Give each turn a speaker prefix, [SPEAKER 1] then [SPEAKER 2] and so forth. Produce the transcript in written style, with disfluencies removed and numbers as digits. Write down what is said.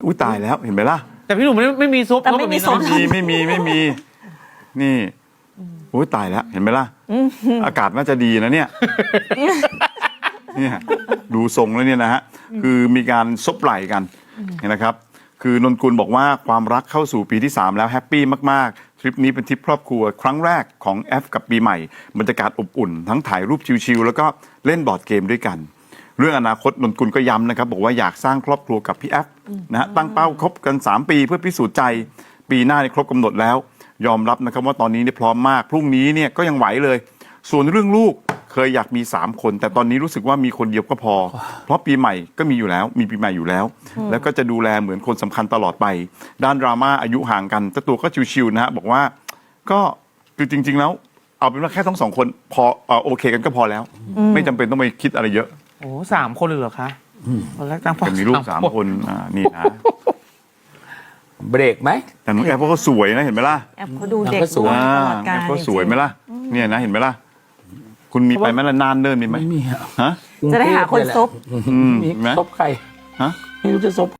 [SPEAKER 1] อุ้ยตายแล้วเห็นไหมล่ะ
[SPEAKER 2] แต่พี่หนุ่มไม่มีซุป
[SPEAKER 3] แต่ไม่มีซุป
[SPEAKER 1] ไม่มีนี่อุ้ยตายแล้วเห็นไหมล่ะอากาศน่าจะดีนะเนี่ยเนี่ยดูทรงแล้วเนี่ยนะฮะคือมีการซบไหล่กันนะครับคือนนกุลบอกว่าความรักเข้าสู่ปีที่3แล้วแฮปปี้มากๆทริปนี้เป็นทริปครอบครัวครั้งแรกของแอฟกับปีใหม่บรรยากาศอบอุ่นทั้งถ่ายรูปชิลๆแล้วก็เล่นบอร์ดเกมด้วยกันเรื่องอนาคตนนกุลก็ย้ำนะครับบอกว่าอยากสร้างครอบครัวกับพี่แอฟนะฮะตั้งเป้าคบกัน3ปีเพื่อพิสูจน์ใจปีหน้าครบกำหนดแล้วยอมรับนะครับว่าตอนนี้พร้อมมากพรุ่งนี้เนี่ยก็ยังไหวเลยส่วนเรื่องลูกเคยอยากมี3คนแต่ตอนนี้รู้สึกว่ามีคนเดียวก็พอเพราะปีใหม่ก็มีอยู่แล้วมีปีใหม่อยู่แล้วแล้วก็จะดูแลเหมือนคนสำคัญตลอดไปด้านดราม่าอายุห่างกันเจ้าตัวก็ชิวๆนะฮะบอกว่าก็คือจริงๆแล้วเอาเป็นว่าแค่ทั้ง2คนพอโอเคกันก็พอแล้วไม่จำเป็นต้องไปคิดอะไรเยอะ
[SPEAKER 2] โอ้3 คนเลยเหรอคะตอนแรกตั้ง
[SPEAKER 1] จะมีลูก3 คนนี่นะ
[SPEAKER 4] เบรกไหม
[SPEAKER 1] แต่น้องแอฟเขาสวยนะเห็นไหมล่ะ
[SPEAKER 3] แอฟเขาดูเด็ก
[SPEAKER 4] สวย
[SPEAKER 3] ตลอดกา
[SPEAKER 1] แอ
[SPEAKER 3] ร
[SPEAKER 1] ฟเขาสวยไหมล่ะเนี่ยนะเห็นไหมล่ะคุณมีไปไหมล่ะนานเดินมีไหม
[SPEAKER 4] ไม่มี
[SPEAKER 1] ฮะ
[SPEAKER 3] จะได้หาคนซบ
[SPEAKER 4] มีซบใคร
[SPEAKER 1] ฮะ
[SPEAKER 4] ไม่รู้จะซบ